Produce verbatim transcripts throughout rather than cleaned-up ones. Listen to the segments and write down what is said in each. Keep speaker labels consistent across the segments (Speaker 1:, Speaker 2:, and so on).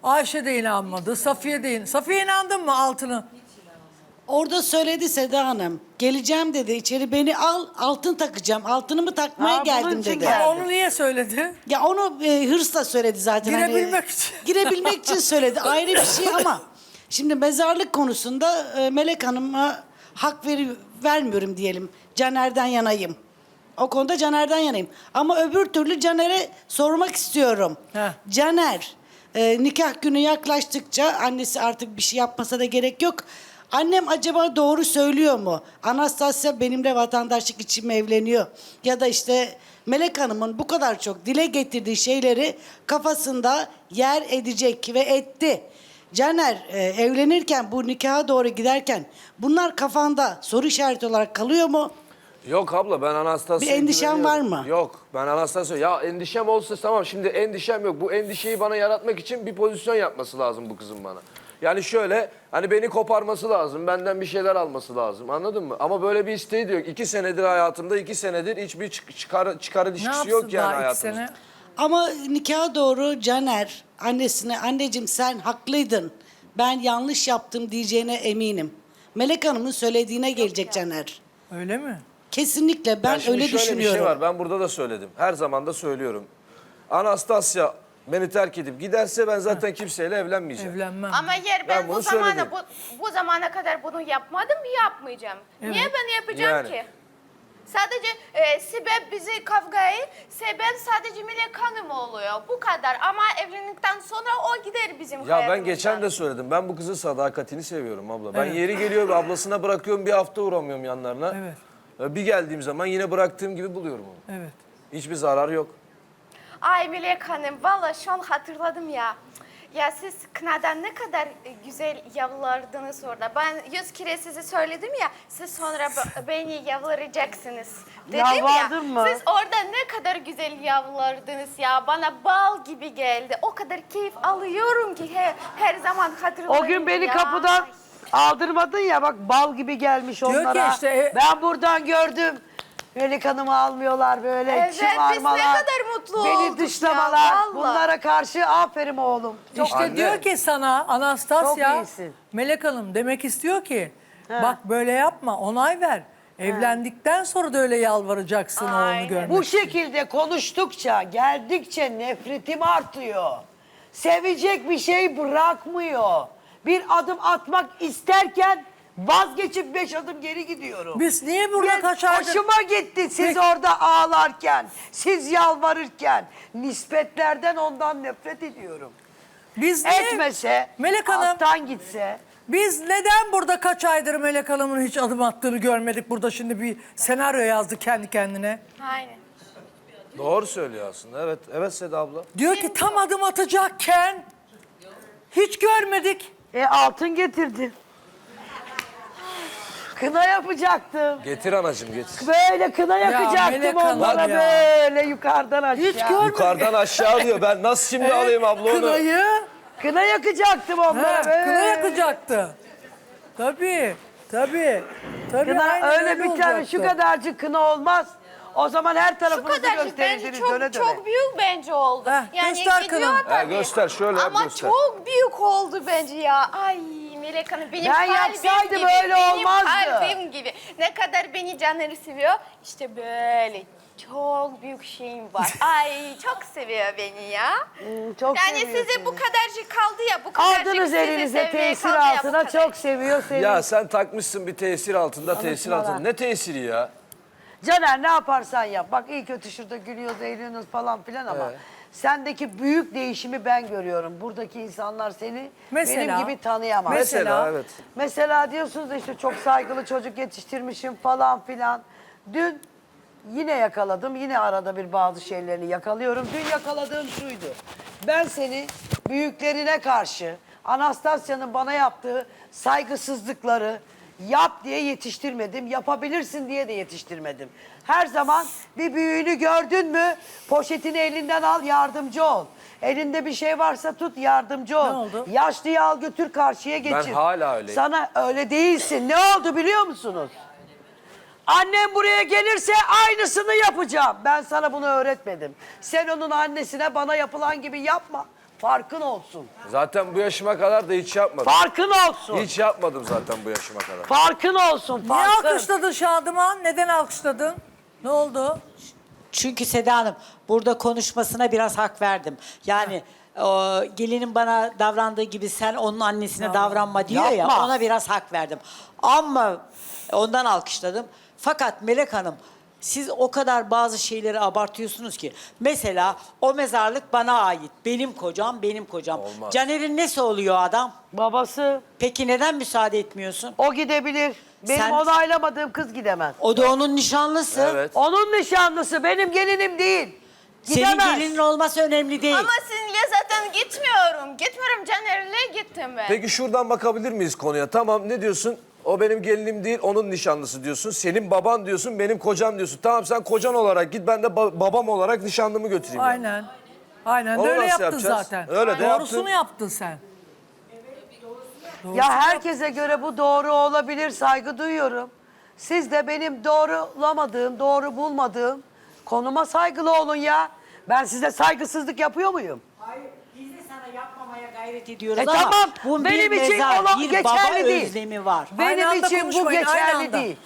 Speaker 1: Ayşe de inanmadı. Safiye de inanmadı. Safiye inandın mı altını?
Speaker 2: Orada söyledi Seda Hanım. Geleceğim dedi. İçeri beni al, altın takacağım. Altınımı takmaya
Speaker 3: Ha, bunun
Speaker 2: geldim
Speaker 3: için
Speaker 2: dedi.
Speaker 3: geldi.
Speaker 1: Ama onu niye söyledi?
Speaker 2: Ya onu e, hırsla söyledi zaten.
Speaker 1: Girebilmek
Speaker 2: Hani,
Speaker 1: için.
Speaker 2: Girebilmek için söyledi. Ayrı bir şey ama şimdi mezarlık konusunda e, Melek Hanım'a hak veri, vermiyorum diyelim. Caner'den yanayım. O konuda Caner'den yanayım. Ama öbür türlü Caner'e sormak istiyorum.
Speaker 1: Heh.
Speaker 2: Caner, e, nikah günü yaklaştıkça annesi artık bir şey yapmasa da gerek yok. Annem acaba doğru söylüyor mu? Anastasya benimle vatandaşlık için mi evleniyor? Ya da işte Melek Hanım'ın bu kadar çok dile getirdiği şeyleri kafasında yer edecek ve etti. Caner e, evlenirken bu nikaha doğru giderken bunlar kafanda soru işareti olarak kalıyor mu?
Speaker 4: Yok abla ben Anastasya'ya
Speaker 2: Bir endişen
Speaker 4: güveniyorum.
Speaker 2: var mı?
Speaker 4: Yok ben Anastasya. Ya endişem olsa tamam, şimdi endişem yok. Bu endişeyi bana yaratmak için bir pozisyon yapması lazım bu kızın bana. Yani şöyle hani beni koparması lazım. Benden bir şeyler alması lazım, anladın mı? Ama böyle bir isteği de yok. İki senedir hayatımda, iki senedir hiçbir çık- çıkar, çıkar
Speaker 1: Ne
Speaker 4: ilişkisi
Speaker 1: yapsın
Speaker 4: yok yani
Speaker 1: daha iki
Speaker 4: hayatımızda.
Speaker 1: sene?
Speaker 2: Ama nikaha doğru Caner annesine anneciğim sen haklıydın. Ben yanlış yaptım diyeceğine eminim. Melek Hanım'ın söylediğine gelecek Caner.
Speaker 1: Öyle mi?
Speaker 2: Kesinlikle ben
Speaker 4: Ya şimdi
Speaker 2: öyle
Speaker 4: şöyle
Speaker 2: düşünüyorum.
Speaker 4: bir şey var, ben burada da söyledim. Her zaman da söylüyorum. Anastasya beni terk edip giderse ben zaten kimseyle evlenmeyeceğim.
Speaker 1: Evlenmem.
Speaker 5: Ama yer ben,
Speaker 4: Ben
Speaker 5: bu
Speaker 4: bunu
Speaker 5: zamana
Speaker 4: söyledim.
Speaker 5: bu, bu zamana kadar bunu yapmadım, yapmayacağım. Niye ben yapacağım
Speaker 4: Yani.
Speaker 5: ki? Sadece e, sebep bizi kavgayı, sebep sadece Melek Hanım oluyor. Bu kadar. Ama evlendikten sonra o gider bizim
Speaker 4: Ya
Speaker 5: hayatımızdan.
Speaker 4: ben geçen de söyledim. Ben bu kızın sadakatini seviyorum abla. Ben
Speaker 1: Evet.
Speaker 4: yeri geliyor ablasına bırakıyorum, bir hafta uğramıyorum yanlarına.
Speaker 1: Evet.
Speaker 4: Bir geldiğim zaman yine bıraktığım gibi buluyorum onu.
Speaker 1: Evet.
Speaker 4: Hiçbir zarar yok.
Speaker 5: Ay Melek Hanım, valla şu an hatırladım ya. Ya siz kınadan ne kadar e, güzel yavrulardınız orada. Ben yüz kere size söyledim ya, siz sonra b- beni yavlayacaksınız dedim ya.
Speaker 3: Yalvardın mı?
Speaker 5: Siz orada ne kadar güzel yavrulardınız ya. Bana bal gibi geldi. O kadar keyif alıyorum ki her, her zaman hatırlıyorum.
Speaker 3: O gün beni
Speaker 5: ya.
Speaker 3: kapıdan aldırmadın ya, bak bal gibi gelmiş
Speaker 1: Diyor ki
Speaker 3: onlara.
Speaker 1: işte, e-
Speaker 3: Ben buradan gördüm. Melek Hanım'ı almıyorlar böyle,
Speaker 5: Evet, biz ne
Speaker 3: şımarmalar.
Speaker 5: kadar mutlu
Speaker 3: Beni
Speaker 5: olduk
Speaker 3: dışlamalar.
Speaker 5: ya, vallahi.
Speaker 3: Bunlara karşı aferin oğlum. Çok
Speaker 1: İşte
Speaker 4: Anne.
Speaker 1: diyor ki sana Anastasya,
Speaker 3: Çok iyisin.
Speaker 1: Melek Hanım demek istiyor ki bak böyle yapma, onay ver. Evlendikten sonra da öyle yalvaracaksın
Speaker 5: Aynen.
Speaker 1: oğlunu görmek.
Speaker 3: Bu şekilde konuştukça, geldikçe nefretim artıyor. Sevecek bir şey bırakmıyor. Bir adım atmak isterken vazgeçip beş adım geri gidiyorum.
Speaker 1: Biz niye burada
Speaker 3: Ben-
Speaker 1: kaç aydır...
Speaker 3: Hoşuma gitti siz
Speaker 1: Peki.
Speaker 3: orada ağlarken, siz yalvarırken. Nispetlerden ondan nefret ediyorum.
Speaker 1: Biz niye...
Speaker 3: Etmese,
Speaker 1: Melek Hanım,
Speaker 3: alttan gitse.
Speaker 1: biz neden burada kaç aydır Melek Hanım'ın hiç adım attığını görmedik? Burada şimdi bir senaryo yazdı kendi kendine.
Speaker 5: Aynen.
Speaker 4: Doğru söylüyor aslında. Evet, evet Seda abla.
Speaker 1: Diyor ki tam adım atacakken hiç görmedik.
Speaker 3: E altın getirdi. Kına yapacaktım.
Speaker 4: Getir anacığım getir.
Speaker 3: Böyle kına yakacaktım
Speaker 1: Melek Hanım
Speaker 3: onlara
Speaker 1: ya.
Speaker 3: böyle yukarıdan aşağı.
Speaker 1: Hiç görmedik.
Speaker 4: Yukarıdan aşağı diyor. Ben nasıl şimdi alayım abla onu?
Speaker 1: Kınayı,
Speaker 3: Kına yakacaktım onlara
Speaker 1: he,
Speaker 3: böyle.
Speaker 1: kına yakacaktı. Tabii, tabii. Tabii
Speaker 3: Kına
Speaker 1: aynen
Speaker 3: öyle bir tane
Speaker 1: olacaktı.
Speaker 3: şu kadarcık kına olmız. O zaman her
Speaker 5: Şu
Speaker 3: tarafınızı
Speaker 5: kadarcık bence
Speaker 3: gösterirsiniz
Speaker 5: çok,
Speaker 3: döne döne.
Speaker 5: çok büyük bence oldu.
Speaker 1: Heh, göster
Speaker 5: gidiyor
Speaker 1: kınanı.
Speaker 5: tabii.
Speaker 4: Ha, göster, şöyle yap,
Speaker 5: Ama
Speaker 4: göster.
Speaker 5: çok büyük oldu bence ya. Ay Melek Hanım benim
Speaker 3: Ben
Speaker 5: kalbim
Speaker 3: yapsaydım
Speaker 5: gibi.
Speaker 3: öyle
Speaker 5: benim
Speaker 3: olmazdı.
Speaker 5: kalbim gibi. Ne kadar beni Caner'i seviyor. İşte böyle çok büyük şeyim var. Ay çok seviyor beni ya.
Speaker 3: Hmm, çok
Speaker 5: Yani
Speaker 3: seviyor
Speaker 5: size
Speaker 3: seni.
Speaker 5: bu kadarcık kaldı ya. Bu kadarcık
Speaker 3: Aldınız
Speaker 5: sizi
Speaker 3: elinize
Speaker 5: sevmeye
Speaker 3: tesir
Speaker 5: kaldı ya, bu
Speaker 3: altına,
Speaker 5: kadar.
Speaker 3: çok seviyor seni.
Speaker 4: Ya sen takmışsın bir tesir altında, tesir
Speaker 3: Konuşmalar.
Speaker 4: altında. Ne tesiri ya?
Speaker 3: Caner ne yaparsan yap. Bak iyi kötü şurada gülüyoruz, eğleniyoruz falan filan ama
Speaker 4: Evet.
Speaker 3: sendeki büyük değişimi ben görüyorum. Buradaki insanlar seni
Speaker 1: Mesela?
Speaker 3: benim gibi tanıyamaz.
Speaker 1: Mesela?
Speaker 4: Mesela evet.
Speaker 3: Mesela diyorsunuz da işte çok saygılı çocuk yetiştirmişim falan filan. Dün yine yakaladım. Yine arada bir bazı şeylerini yakalıyorum. Dün yakaladığım şuydu. Ben seni büyüklerine karşı Anastasya'nın bana yaptığı saygısızlıkları yap diye yetiştirmedim. Yapabilirsin diye de yetiştirmedim. Her zaman bir büyüğünü gördün mü poşetini elinden al, yardımcı ol. Elinde bir şey varsa tut, yardımcı ol.
Speaker 1: Ne oldu?
Speaker 3: Yaşlıyı al götür karşıya geçir.
Speaker 4: hala öyleyim.
Speaker 3: Sana öyle değilsin. Ne oldu biliyor musunuz? Annem buraya gelirse aynısını yapacağım. Ben sana bunu öğretmedim. Sen onun annesine bana yapılan gibi yapma. Farkın olsun.
Speaker 4: Zaten bu yaşıma kadar da hiç yapmadım.
Speaker 3: Farkın olsun.
Speaker 4: Hiç yapmadım zaten bu yaşıma kadar.
Speaker 3: Farkın olsun.
Speaker 1: Niye
Speaker 3: Farkın.
Speaker 1: alkışladın Şadıman? Neden alkışladın? Ne oldu?
Speaker 6: Çünkü Seda Hanım burada konuşmasına biraz hak verdim. Yani o, gelinin bana davrandığı gibi sen onun annesine davranma diyor ya,
Speaker 3: Yapma.
Speaker 6: ona biraz hak verdim. Ama ondan alkışladım. Fakat Melek Hanım siz o kadar bazı şeyleri abartıyorsunuz ki. Mesela o mezarlık bana ait. Benim kocam, benim kocam.
Speaker 4: Olmaz.
Speaker 6: Caner'in nesi oluyor adam?
Speaker 3: Babası
Speaker 6: Peki neden müsaade etmiyorsun?
Speaker 3: o gidebilir. Benim
Speaker 6: Sen-
Speaker 3: onaylamadığım kız gidemez.
Speaker 6: O da onun nişanlısı.
Speaker 4: Evet.
Speaker 3: Onun nişanlısı benim gelinim değil.
Speaker 6: Senin
Speaker 3: Gidemez.
Speaker 6: gelinin olması önemli değil.
Speaker 5: Ama sizinle zaten gitmiyorum. Gitmiyorum, Caner'le gittim ben.
Speaker 4: Peki şuradan bakabilir miyiz konuya? Tamam, ne diyorsun? O benim gelinim değil, onun nişanlısı diyorsun. Senin baban diyorsun, benim kocam diyorsun. Tamam, sen kocan olarak git, ben de ba- babam olarak nişanlımı götüreyim. yani.
Speaker 1: Aynen. Aynen
Speaker 4: Onu
Speaker 1: öyle
Speaker 4: nasıl
Speaker 1: yaptın
Speaker 4: yapacağız?
Speaker 1: zaten.
Speaker 4: Öyle de
Speaker 1: Doğrusunu
Speaker 4: yaptın.
Speaker 1: yaptın sen.
Speaker 3: Ya herkese göre bu doğru olabilir, saygı duyuyorum. Siz de benim doğrulamadığım, doğru bulmadığım konuma saygılı olun ya. Ben size saygısızlık yapıyor muyum?
Speaker 6: Hayır, biz de sana yapmamaya gayret ediyoruz
Speaker 3: E
Speaker 6: ama
Speaker 3: tamam,
Speaker 6: bunun
Speaker 3: benim
Speaker 6: bir
Speaker 3: için
Speaker 6: mezar,
Speaker 3: olan
Speaker 6: bir
Speaker 3: geçerli
Speaker 6: baba
Speaker 3: değil.
Speaker 6: özlemi var.
Speaker 1: Aynı
Speaker 3: Benim
Speaker 1: anda
Speaker 3: için bu
Speaker 1: konuşmayın, aynı
Speaker 3: geçerli
Speaker 1: anda.
Speaker 3: değil.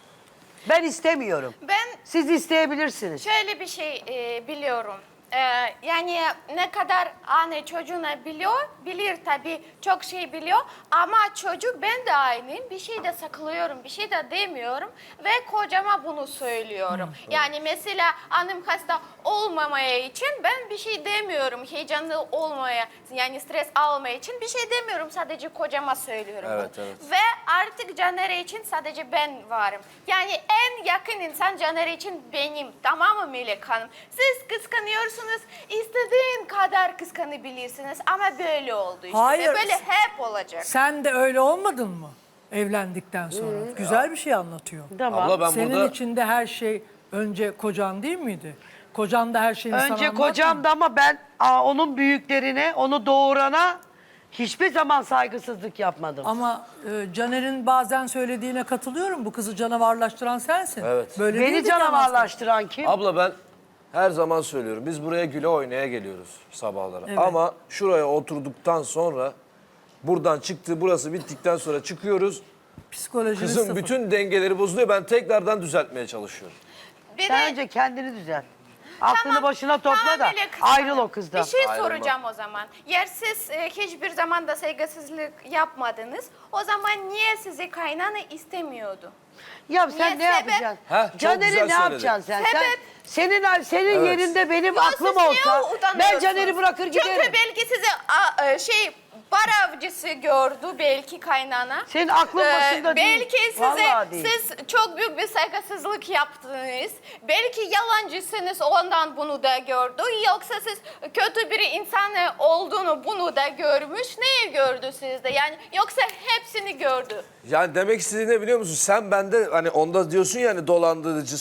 Speaker 3: Ben istemiyorum.
Speaker 5: Ben
Speaker 3: Siz isteyebilirsiniz.
Speaker 5: şöyle bir şey e, biliyorum. E, yani ne kadar anne çocuğuna biliyor, bilir tabii, çok şey biliyor. Ama çocuk, ben de aynıyım. Bir şey de saklıyorum, bir şey de demiyorum. Ve kocama bunu söylüyorum. Yani mesela annem hasta olmamaya için ben bir şey demiyorum. Heyecanlı olmaya, yani stres almaya için bir şey demiyorum. Sadece kocama söylüyorum.
Speaker 4: Evet,
Speaker 5: bunu.
Speaker 4: evet.
Speaker 5: Ve artık Caner için sadece ben varım. Yani en yakın insan Caner için benim. Tamam mı Melek Hanım? Siz kıskanıyorsunuz. İstediğin kadar kıskanabilirsiniz. Ama böyle oldu işte.
Speaker 1: Hayır.
Speaker 5: Ve böyle hep olacak.
Speaker 1: Sen de öyle olmadın mı? Evlendikten sonra. Güzel bir şey anlatıyor.
Speaker 3: Tamam.
Speaker 4: Abla ben
Speaker 1: Senin
Speaker 4: burada...
Speaker 1: içinde her şey önce kocan değil miydi? Kocan da her şeyini sana
Speaker 3: Önce
Speaker 1: anlatmadı
Speaker 3: kocam
Speaker 1: mı?
Speaker 3: da, ama ben aa, onun büyüklerine, onu doğurana hiçbir zaman saygısızlık yapmadım.
Speaker 1: Ama e, Caner'in bazen söylediğine katılıyorum. Bu kızı canavarlaştıran sensin.
Speaker 4: Evet.
Speaker 1: Böyle
Speaker 3: Beni
Speaker 1: değildi ki aslında.
Speaker 3: canavarlaştıran kim?
Speaker 4: Abla ben her zaman söylüyorum. Biz buraya güle oynaya geliyoruz sabahlara.
Speaker 1: Evet.
Speaker 4: Ama şuraya oturduktan sonra, buradan çıktı, burası bittikten sonra çıkıyoruz.
Speaker 1: Psikolojiniz
Speaker 4: Kızın
Speaker 1: sıfır.
Speaker 4: bütün dengeleri bozuluyor. Ben tekrardan düzeltmeye çalışıyorum.
Speaker 5: Bir
Speaker 3: Sen
Speaker 5: de-
Speaker 3: önce kendini düzel. Aklını
Speaker 5: Tamam,
Speaker 3: başına topla
Speaker 5: tamam
Speaker 3: da
Speaker 5: Melek Hanım.
Speaker 3: ayrıl o kızdan.
Speaker 5: Bir şey
Speaker 4: Ayrılma.
Speaker 5: soracağım o zaman. Yer siz e, hiçbir zaman da saygısızlık yapmadınız. O zaman niye sizi kaynana istemiyordu?
Speaker 3: Ya sen
Speaker 5: Niye?
Speaker 3: ne
Speaker 5: Sebep?
Speaker 3: yapacaksın?
Speaker 4: Heh, çok
Speaker 3: Caner'i
Speaker 4: güzel
Speaker 3: ne
Speaker 4: söyledin.
Speaker 3: yapacaksın sen? sen
Speaker 5: Sebep?
Speaker 3: senin senin
Speaker 4: Evet.
Speaker 3: yerinde benim
Speaker 5: Ya
Speaker 3: aklım
Speaker 5: siz niye
Speaker 3: olsa ben
Speaker 5: utanıyorsunuz?
Speaker 3: Caner'i bırakır giderim.
Speaker 5: Çünkü belki sizi a, e, şey bar avcısı gördü belki kaynana.
Speaker 3: Senin aklın
Speaker 5: Ee,
Speaker 3: başında değil.
Speaker 5: Belki size
Speaker 3: Vallahi değil.
Speaker 5: siz çok büyük bir saygısızlık yaptınız. Belki yalancısınız, ondan bunu da gördü. Yoksa siz kötü bir insan olduğunu bunu da görmüş. Neyi gördü sizde? Yani yoksa hepsini gördü.
Speaker 4: Yani demek istediğin ne biliyor musun? Sen bende hani onda diyorsun ya hani dolandırıcı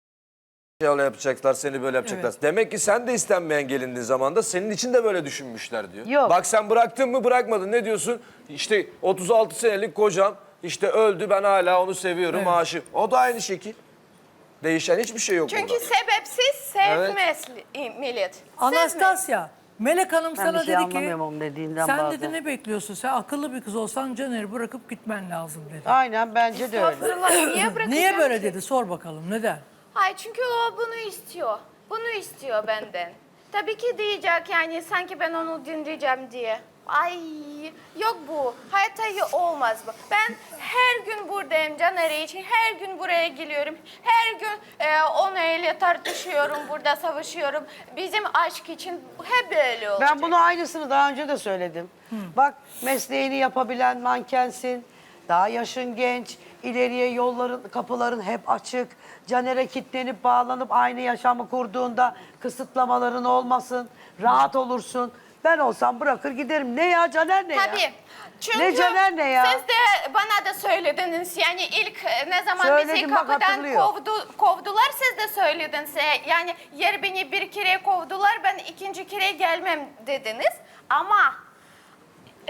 Speaker 4: öyle yapacaklar, seni böyle yapacaklar.
Speaker 1: Evet.
Speaker 4: Demek ki sen de istenmeyen gelindiğin zaman da senin için de böyle düşünmüşler diyor.
Speaker 3: Yok.
Speaker 4: Bak sen bıraktın mı bırakmadın, ne diyorsun? İşte otuz altı senelik kocam işte öldü, ben hala onu seviyorum,
Speaker 1: Evet.
Speaker 4: aşık. O da aynı şekil. Değişen hiçbir şey yok
Speaker 5: Çünkü
Speaker 4: burada.
Speaker 5: sebepsiz sevmez millet. Sevmez.
Speaker 1: Anastasya, Melek Hanım
Speaker 3: Ben
Speaker 1: sana
Speaker 3: bir şey
Speaker 1: dedi ki
Speaker 3: anlamıyorum onun dediğinden
Speaker 1: sen
Speaker 3: bazen.
Speaker 1: dedi ne bekliyorsun? Sen akıllı bir kız olsan Caner'i bırakıp gitmen lazım dedi.
Speaker 3: Aynen bence de öyle.
Speaker 5: Estağfurullah, niye bırakacağım
Speaker 1: Niye böyle
Speaker 5: ki?
Speaker 1: dedi? Sor bakalım neden?
Speaker 5: Hayır, çünkü o bunu istiyor. Bunu istiyor benden. Tabii ki diyecek yani sanki ben onu dinleyeceğim diye. Ay yok bu. Hayatta y- olmaz bu. Ben her gün buradayım Caner için. Her gün buraya geliyorum. Her gün e, onunla tartışıyorum. Burada savaşıyorum. Bizim aşk için hep böyle olacak.
Speaker 3: Ben bunu aynısını daha önce de söyledim. Bak, mesleğini yapabilen mankensin. Daha yaşın genç. İleriye yolların, kapıların hep açık. Caner'e kitlenip bağlanıp aynı yaşamı kurduğunda kısıtlamaların olmasın. Rahat olursun. Ben olsam bırakır giderim. Ne ya Caner ne ya?
Speaker 5: Tabii. Çünkü
Speaker 3: Ne Caner ne ya?
Speaker 5: siz de bana da söylediniz. Yani ilk e, ne zaman
Speaker 3: Söyledim,
Speaker 5: bizi
Speaker 3: bak
Speaker 5: kapıdan
Speaker 3: hatırlıyor.
Speaker 5: kovdu, kovdular, siz de söylediniz. E, Yani yer beni bir kere kovdular, ben ikinci kere gelmem dediniz. Ama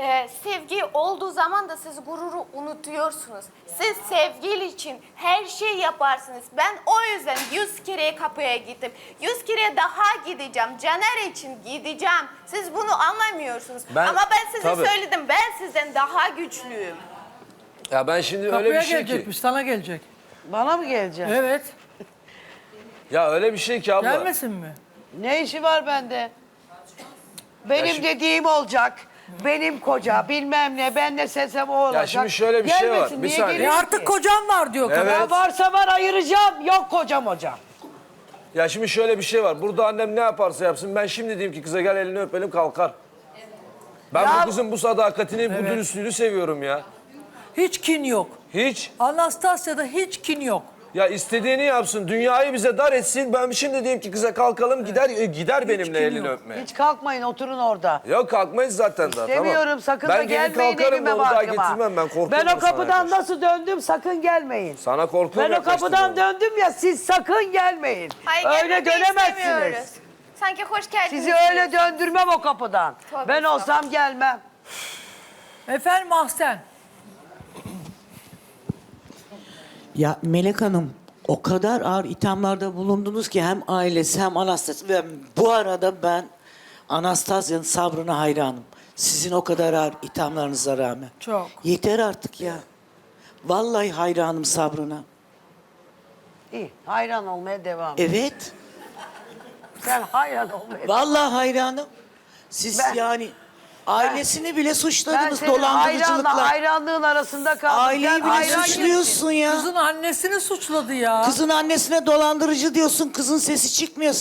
Speaker 5: e, sevgi olduğu zaman da siz gururu unutuyorsunuz. Siz sevgili için her şey yaparsınız. Ben o yüzden yüz kere kapıya gittim. Yüz kere daha gideceğim. Caner için gideceğim. Siz bunu anlamıyorsunuz.
Speaker 4: Ben-
Speaker 5: Ama ben size
Speaker 4: tabii.
Speaker 5: söyledim. Ben sizden daha güçlüyüm.
Speaker 4: Ya ben şimdi öyle
Speaker 1: Kapıya
Speaker 4: bir şey ki.
Speaker 1: gelecekmiş, sana gelecek.
Speaker 3: Bana mı gelecek?
Speaker 1: Evet.
Speaker 4: Ya öyle bir şey ki abla.
Speaker 1: Gelmesin mi?
Speaker 3: Ne işi var bende? Benim
Speaker 4: Ya şimdi-
Speaker 3: dediğim olacak. Benim koca bilmem ne, ben ne sesem o olacak.
Speaker 4: şimdi şöyle bir şey var,
Speaker 3: Gelmesin,
Speaker 4: bir
Speaker 3: niye
Speaker 4: saniye.
Speaker 1: E
Speaker 3: geliyor
Speaker 1: artık
Speaker 3: ki?
Speaker 1: kocam var diyor kadın.
Speaker 4: Evet.
Speaker 3: Ya varsa var ayıracağım. Yok kocam hocam.
Speaker 4: Ya şimdi şöyle bir şey var. Burada annem ne yaparsa yapsın ben şimdi diyeyim ki kıza gel elini öpelim kalkar. Ben
Speaker 3: Ya-
Speaker 4: bu kızın bu sadakatini, bu dürüstlüğünü seviyorum ya.
Speaker 1: Hiç kin yok.
Speaker 4: Hiç.
Speaker 1: Anastasya'da hiç kin yok.
Speaker 4: Ya istediğini yapsın, dünyayı bize dar etsin. Ben şimdi diyeyim ki kıza kalkalım gider e, gider benimle
Speaker 1: kim
Speaker 4: elini
Speaker 1: yok.
Speaker 4: öpmeye.
Speaker 3: Hiç kalkmayın oturun orada.
Speaker 4: Yok kalkmayız zaten daha.
Speaker 3: Demiyorum
Speaker 4: tamam.
Speaker 3: sakın
Speaker 4: ben
Speaker 3: da
Speaker 4: gelin
Speaker 3: gelmeyin
Speaker 4: kalkarım
Speaker 3: evime
Speaker 4: da onu daha
Speaker 3: barkıma.
Speaker 4: getirmem ben korkuyorum.
Speaker 3: Ben o
Speaker 4: sana
Speaker 3: kapıdan
Speaker 4: yaklaştım.
Speaker 3: nasıl döndüm sakın gelmeyin.
Speaker 4: Sana korkuyorum
Speaker 3: Ben o
Speaker 4: yaklaştım
Speaker 3: kapıdan
Speaker 4: ona.
Speaker 3: döndüm ya siz sakın gelmeyin.
Speaker 5: Hayır,
Speaker 3: Öyle
Speaker 5: gelmek
Speaker 3: dönemezsiniz.
Speaker 5: istemiyoruz. Sanki hoş geldiniz.
Speaker 3: Sizi öyle döndürmem o kapıdan.
Speaker 5: Tabii,
Speaker 3: Ben
Speaker 5: tabii.
Speaker 3: olsam gelmem.
Speaker 1: Efendim Ahsen.
Speaker 7: Ya Melek Hanım o kadar ağır ithamlarda bulundunuz ki hem ailesi hem Anastasya. Ve bu arada ben Anastasya'nın sabrına hayranım. Sizin o kadar ağır ithamlarınıza rağmen.
Speaker 1: Çok.
Speaker 7: Yeter artık ya. Vallahi hayranım sabrına.
Speaker 3: İyi hayran olmaya devam et.
Speaker 7: Evet.
Speaker 3: Sen hayran olmaya
Speaker 7: Vallahi hayranım. Siz
Speaker 3: Ben-
Speaker 7: yani ailesini bile
Speaker 3: Ben
Speaker 7: suçladınız
Speaker 3: senin hayranla
Speaker 7: dolandırıcılıkla.
Speaker 3: hayranlığın arasında kaldım.
Speaker 7: Aileyi
Speaker 3: Sen
Speaker 7: bile
Speaker 3: hayran
Speaker 7: suçluyorsun ya.
Speaker 1: Kızın annesini suçladı ya.
Speaker 7: Kızın annesine dolandırıcı diyorsun. Kızın sesi çıkmıyor.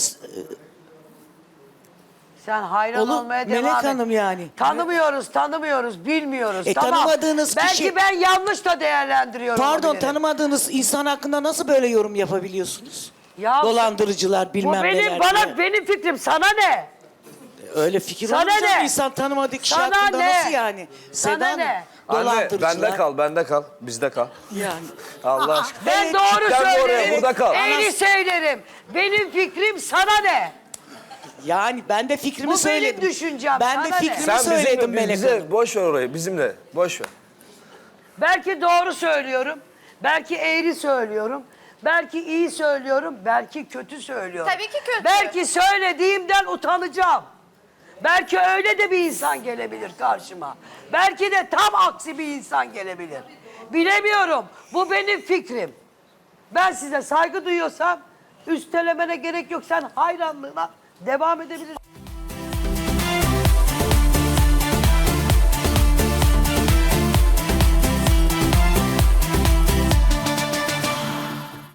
Speaker 3: Sen hayran
Speaker 7: Oğlum,
Speaker 3: olmaya devam
Speaker 7: Melek
Speaker 3: et.
Speaker 7: Hanım yani.
Speaker 3: Tanımıyoruz, tanımıyoruz, bilmiyoruz.
Speaker 7: E,
Speaker 3: tamam.
Speaker 7: tanımadığınız
Speaker 3: Belki
Speaker 7: kişi-
Speaker 3: ben yanlış da değerlendiriyorum.
Speaker 7: Pardon
Speaker 3: olabilirim.
Speaker 7: tanımadığınız insan hakkında nasıl böyle yorum yapabiliyorsunuz?
Speaker 3: Ya,
Speaker 7: Dolandırıcılar
Speaker 3: Bu
Speaker 7: bilmem
Speaker 3: benim,
Speaker 7: neler
Speaker 3: bana,
Speaker 7: diye.
Speaker 3: benim fikrim. Sana ne?
Speaker 7: Öyle fikir
Speaker 3: Sana
Speaker 7: olunca
Speaker 3: ne?
Speaker 7: insan tanımadığı kişi
Speaker 3: Sana
Speaker 7: hakkında
Speaker 3: ne?
Speaker 7: nasıl yani?
Speaker 3: Sana
Speaker 7: Seda Hanım,
Speaker 3: ne?
Speaker 4: Anne
Speaker 7: dolandırıcılar.
Speaker 4: bende kal, bende kal, bizde kal.
Speaker 7: Yani.
Speaker 4: Allah aşkına.
Speaker 3: Ben
Speaker 7: Evet,
Speaker 3: doğru
Speaker 4: gitten de oraya,
Speaker 3: söylerim.
Speaker 4: burada kal.
Speaker 3: Eğri söylerim. Benim fikrim sana ne?
Speaker 7: Yani ben de fikrimi
Speaker 3: Bu benim
Speaker 7: söyledim.
Speaker 3: düşüncem,
Speaker 7: Ben de
Speaker 3: sana ne?
Speaker 7: fikrimi
Speaker 4: Sen
Speaker 7: söyledim
Speaker 4: bizimle,
Speaker 7: Melek
Speaker 4: bize,
Speaker 7: Hanım.
Speaker 4: boş ver orayı, bizimle, boş ver.
Speaker 3: Belki doğru söylüyorum. Belki eğri söylüyorum. Belki iyi söylüyorum. Belki kötü söylüyorum.
Speaker 5: Tabii ki kötü.
Speaker 3: Belki söylediğimden utanacağım. Belki öyle de bir insan gelebilir karşıma. Belki de tam aksi bir insan gelebilir. Bilemiyorum. Bu benim fikrim. Ben size saygı duyuyorsam üstelemene gerek yok. Sen hayranlığına devam edebilirsin.